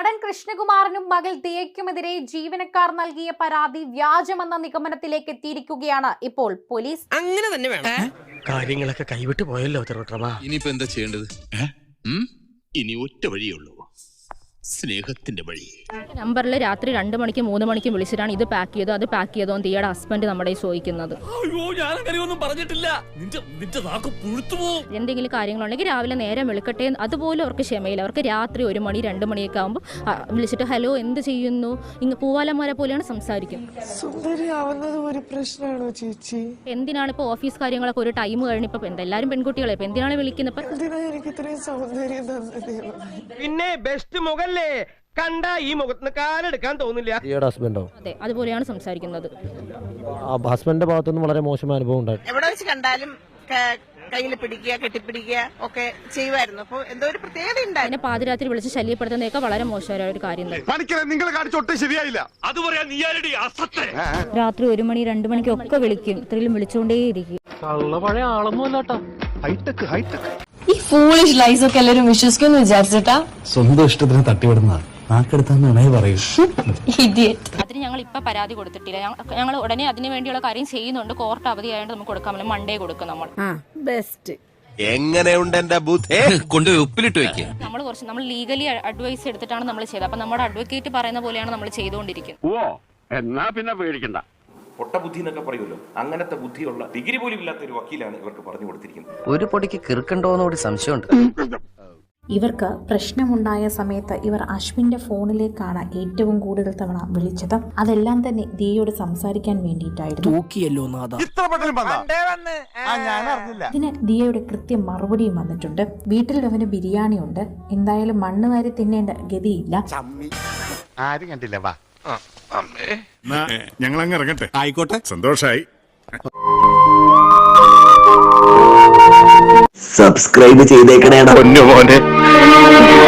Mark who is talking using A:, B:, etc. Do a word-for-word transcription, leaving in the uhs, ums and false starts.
A: നടൻ കൃഷ്ണകുമാറിനും മകൾ ദിയയ്ക്കുമെതിരെ ജീവനക്കാർ നൽകിയ പരാതി വ്യാജമെന്ന നിഗമനത്തിലേക്ക് എത്തിയിരിക്കുകയാണ് ഇപ്പോൾ പോലീസ്.
B: അങ്ങനെ തന്നെ വേണം.
C: കാര്യങ്ങളൊക്കെ കൈവിട്ട് പോയല്ലോ തിരുവട്ടമാ.
D: ഇനിയിപ്പോ എന്താ ചെയ്യേണ്ടത്? ഇനി ഒറ്റ വഴിയുള്ളൂ, സ്നേഹത്തിന്റെ വഴി.
E: നമ്പറിൽ രാത്രി രണ്ട് മണിക്ക് മൂന്ന് മണിക്ക് വിളിച്ചിട്ടാണ് ഇത് പാക്ക് ചെയ്തോ അത് പാക്ക് ചെയ്തോ എന്ന് ദിയയുടെ ഹസ്ബൻഡ് നമ്മുടെ ചോദിക്കുന്നത്. എന്തെങ്കിലും കാര്യങ്ങളുണ്ടെങ്കിൽ രാവിലെ നേരം വെളുക്കട്ടെ, അതുപോലെ അവർക്ക് ക്ഷമയില്ല. അവർക്ക് രാത്രി ഒരു മണി രണ്ട് മണിയൊക്കെ ആകുമ്പോൾ വിളിച്ചിട്ട് ഹലോ എന്ത് ചെയ്യുന്നു, ഇങ്ങ് പൂവാലന്മാരെ പോലെയാണ് സംസാരിക്കുന്നത്. എന്തിനാണ് ഇപ്പോൾ ഓഫീസ് കാര്യങ്ങളൊക്കെ ഒരു ടൈം കഴിഞ്ഞപ്പോൾ എല്ലാവരും പെൺകുട്ടികളെ ഇപ്പൊ എന്തിനാണ് വിളിക്കുന്നത്?
B: പിന്നെ ബെസ്റ്റ് മുഖല്ലേ കണ്ട ഈ മുഖത്തിന് കാലെടുക്കാൻ തോന്നില്ല.
C: ഹസ്ബൻഡോ?
E: അതെ, അതുപോലെയാണ് സംസാരിക്കുന്നത്.
C: ഹസ്ബൻഡിന്റെ ഭാഗത്തുനിന്ന് വളരെ മോശമായ അനുഭവം ഉണ്ടായിരുന്നു.
F: എവിടെ വെച്ച് കണ്ടാലും കയ്യിൽ പിടിക്കുക കെട്ടിപ്പിടിക്കുക ഒക്കെ ചെയ്യുമായിരുന്നു. അപ്പോൾ എന്തോ ഒരു പ്രത്യേകത ഉണ്ടായി.
E: പിന്നെ പാതിരാത്രി വിളിച്ച് ശല്യപ്പെടുത്തുന്നതൊക്കെ വളരെ മോശമായ ഒരു കാര്യം. രാത്രി ഒരു മണി രണ്ട് മണിക്കൊക്കെ വിളിക്കും, ഇത്രയും വിളിച്ചുകൊണ്ടേയിരിക്കും.
G: ഈ ഫൂളിഷ് ലൈസ് ഒക്കെ എല്ലാവരും വിശ്വസിക്കുമെന്ന് വിചാരിച്ചിട്ടാ
H: സ്വന്തം ഇഷ്ടത്തിന് തട്ടിവിടുന്ന നാക്കെടുത്താന്ന് പറയൂ.
E: അതിന് ഞങ്ങൾ ഇപ്പൊ പരാതി കൊടുത്തിട്ടില്ല. ഞങ്ങൾ ഉടനെ അതിന് വേണ്ടിയുള്ള കാര്യം ചെയ്യുന്നുണ്ട്. കോർട്ട് അവധിയായതുകൊണ്ട് നമുക്ക് കൊടുക്കാൻ പറ്റില്ല. മൺഡേ കൊടുക്കും നമ്മൾ.
G: ബെസ്റ്റ്.
D: എങ്ങനെയുണ്ട് എന്റെ ബുദ്ധി? കൊണ്ടുപോയി ഉപ്പിലിട്ട് വെക്കുക.
E: നമ്മൾ കുറച്ച് നമ്മൾ ലീഗലി അഡ്വൈസ് എടുത്തിട്ടാണ് നമ്മൾ ചെയ്തത്. അപ്പൊ നമ്മുടെ അഡ്വക്കേറ്റ് പറയുന്ന പോലെയാണ് നമ്മൾ ചെയ്തുകൊണ്ടിരിക്കുന്നത്.
I: ഓ എന്നാ പിന്നെ പേടിക്കണ്ട.
J: പൊട്ട ബുദ്ധി എന്നൊക്കെ പറയുമല്ലോ, അങ്ങനത്തെ ബുദ്ധിയുള്ള ഡിഗ്രി പോലും ഇല്ലാത്ത ഒരു വക്കീലാണ് ഇവർക്ക് പറഞ്ഞു കൊടുത്തിരിക്കുന്നത്.
K: ഒരു പൊടിക്ക് കിറുക്കണ്ടോന്നുകൂടി സംശയമുണ്ട്.
L: ഇവർക്ക് പ്രശ്നമുണ്ടായ സമയത്ത് ഇവർ അശ്വിന്റെ ഫോണിലേക്കാണ് ഏറ്റവും കൂടുതൽ തവണ വിളിച്ചത്. അതെല്ലാം തന്നെ ദിയയോട് സംസാരിക്കാൻ വേണ്ടിയിട്ടായിരുന്നു. ഇതിന് ദിയയുടെ കൃത്യം മറുപടിയും വന്നിട്ടുണ്ട്. വീട്ടിൽ അവന് ബിരിയാണി ഉണ്ട്, എന്തായാലും മണ്ണ് വാരി തിന്നേണ്ട ഗതിയില്ല.
I: ആരും കണ്ടില്ല. വാ
D: ഞങ്ങൾ അങ്ങ് ഇറങ്ങട്ടെ.
I: ആയിക്കോട്ടെ,
D: സന്തോഷായി.
K: സബ്സ്ക്രൈബ് ചെയ്തേക്കണേടാ പൊന്നു മോനെ.